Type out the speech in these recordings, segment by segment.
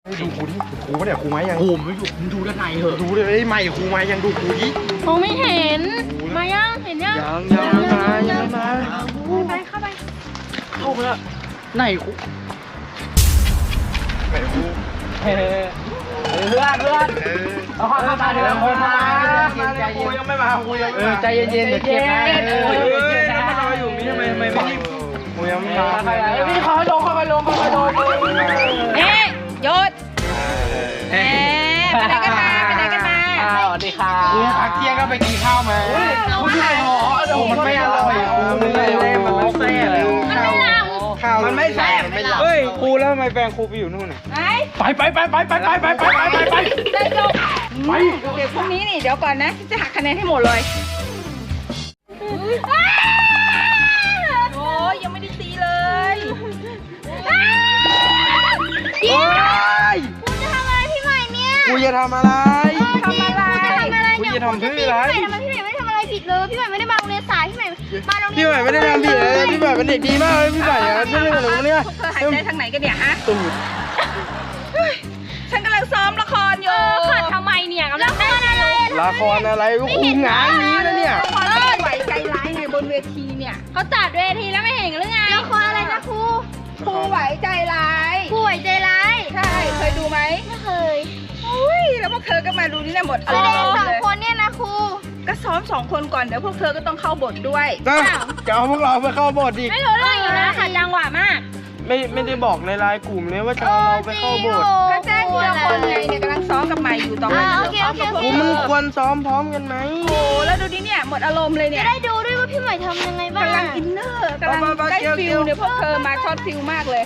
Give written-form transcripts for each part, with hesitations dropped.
ดูครูดิครูเนี่ยครูไหมยังโอ้ไม่อยู่มึงดูด้านในเหอะดูเลยใหม่ครูไหมยังดูครูดิมองไม่เห็นมายังเห็นยังยังมาไปเข้าไปเข้าไปแล้วไหนครูไหนครูเพื่อนเอาเข้ามาเดี๋ยวครูมาครูยังไม่มาครูยังไม่มาใจเย็นๆเดี๋ยวเจ็บนะแล้วมารออยู่นี่ทำไมไม่รีบครูยังไม่มาพี่เขาลงเอ๊ะหยุดไปไหนกันมาสวัสดีค่ะครูพักเที่ยงก็ไปกินข้าวมาครูที่ไหนหรอมันไม่อร่อยครูมันไม่แซ่บข้าวมันไม่แซ่บเฮ้ยครูแล้วทำไมแฟนครูไปอยู่นู่นน่ะไปไปได้จบเดี๋ยวพรุ่งนี้นี่เดี๋ยวก่อนนะจะหักคะแนนให้หมดเลยโอ้ยยังไม่ได้ตีเลยโอ้ยคุณจะทำอะไรพี่ใหม่เนี่ยครูจะทำอะไรทำอะไรครูจะทำเพื่ออะไรทำไมพี่ใหม่ไม่ทำอะไรผิดเลยพี่ใหม่ไม่ได้มาโรงเรียนสายพี่ใหม่มาโรงเรียนพี่ใหม่ไม่ได้ทำผิดเลยพี่ใหม่เป็นเด็กดีมากเลยพี่ใหม่ไม่ได้หนูเนี่ยเธอหายใจทางไหนกันเนี่ยฮะตูดฉันกำลังซ้อมละครอยู่ขัดทำไมเนี่ยกำลังได้อะไรละครอะไรก็ครูงานนี้นะเนี่ยละครไหวใจร้ายไงบนเวทีเนี่ยเขาจัดเวทีแล้วไม่เห็นหรือไงละครอะไรนะครูไหวใจร้ายครูไหวใจร้ายใช่เคยดูไหมไม่เคยอุ้ยแล้วพวกเธอก็มาดูนี่นะหมดแสดงสองคนเนี่ยนะครูก็ซ้อม2 คนก่อนเดี๋ยวพวกเธอก็ต้องเข้าบทด้วยจะเอาพวกเราไปเข้าบทอีกไม่รู้เรื่องอยู่นะขัดจังหวะมากไม่ได้บอกในไลน์กลุ่มเลยว่าจะเอาเราไปเข้าบทก็แจ้งทีละคนไงเนี่ยกำลังซ้อมกับใหม่อยู่ตอนนี้ซ้อมกับพวกกูเธมันอควรซ้อมพร้อมกันไหมโอ้แล้วดูดิเนี่ยหมดอารมณ์เลยเนี่ยได้ดูด้วยว่าพี่ใหม่ทำยังไงบ้างกำลังอินเนอร์กำลังได้ฟิลเนี่ยพวกเธอมาช็อตฟิลมากเลย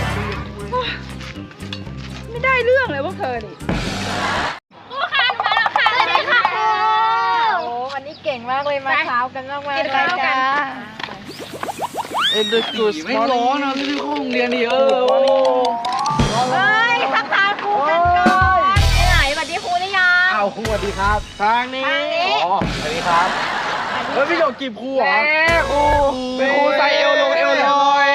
ไม่ได้เรื่องเลยพวกเธอนี่สวัสดีค่ะครูโอ้วันนี้เก่งมากเลยมาเช้ากันมากๆเลยจ้าเอ็นดูกูสไม่ร้อนนะรีบเข้าโรงเรียนดิเฮ้ยทักทายครูกันก่อนไหนสวัสดีครูหรือยังอ้าวครูสวัสดีครับทางนี้อ๋อสวัสดีครับเฮ้ยพี่หยกจีบครูเหรอครูเป็นครูใส่เอวลงเอวลอย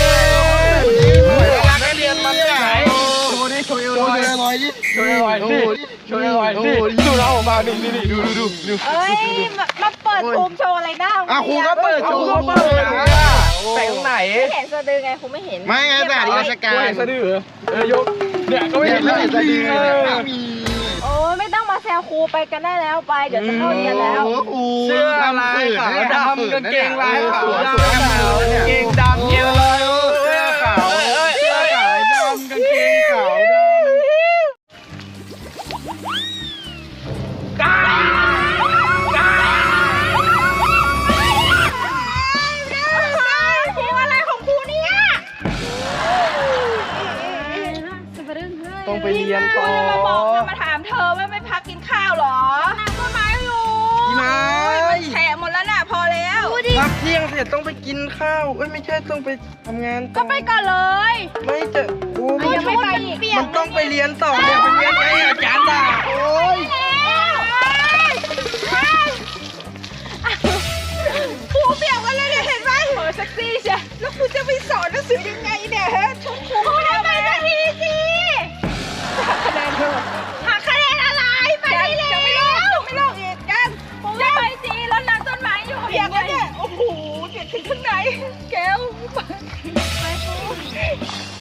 รักเรียนมันไหนโชว์ดิโชว์เอวลอยดิโชว์เอวลอยดิโชว์เอวลอยดิดูเราออกมานี่ดูเอ้ยมาเปิดภูมิโชว์อะไรหน้าครูก็เปิดโชว์ก็เปิดแต่งไหนไม่เห็นสะดือไงครูไม่เห็นไม่ไงแต่ราชการสะดือยกเนี่ยก็ไม่เห็นเลยสะดือเนี่ยมีโอ้ไม่ต้องมาแซวครูไปกันได้แล้วไปเดี๋ยวจะเข้าเรียนแล้วเสื้อลายขาวดำกางเกงลายขาวดำกางเกงดำเยอะเลยเสื้อขาวเสื้อขาวดำกางเกงขาวดำครูอะไรของครูเนี่ยต้องไปเรียนต่อมาบอกมาถามเธอว่าไม่พักกินข้าวหรอนางต้นไม้อยู่พี่ไม้แฉะหมดแล้วน่ะพอแล้วพักเที่ยงเสร็จต้องไปกินข้าวไม่ใช่ต้องไปทำงานก็ไปก่อนเลยไม่จะโอ้ยังไม่ไปอีกมันต้องไปเรียนต่อเนี่ยไปเรียนไงอาจารย์ด่าโอ้ยครูเปียกมาเลยเนี่ยเห็นไหมโหเซ็กซี่ใช่แล้วครูจะไปสอนหนังสือยังไงเนี่ยฮะ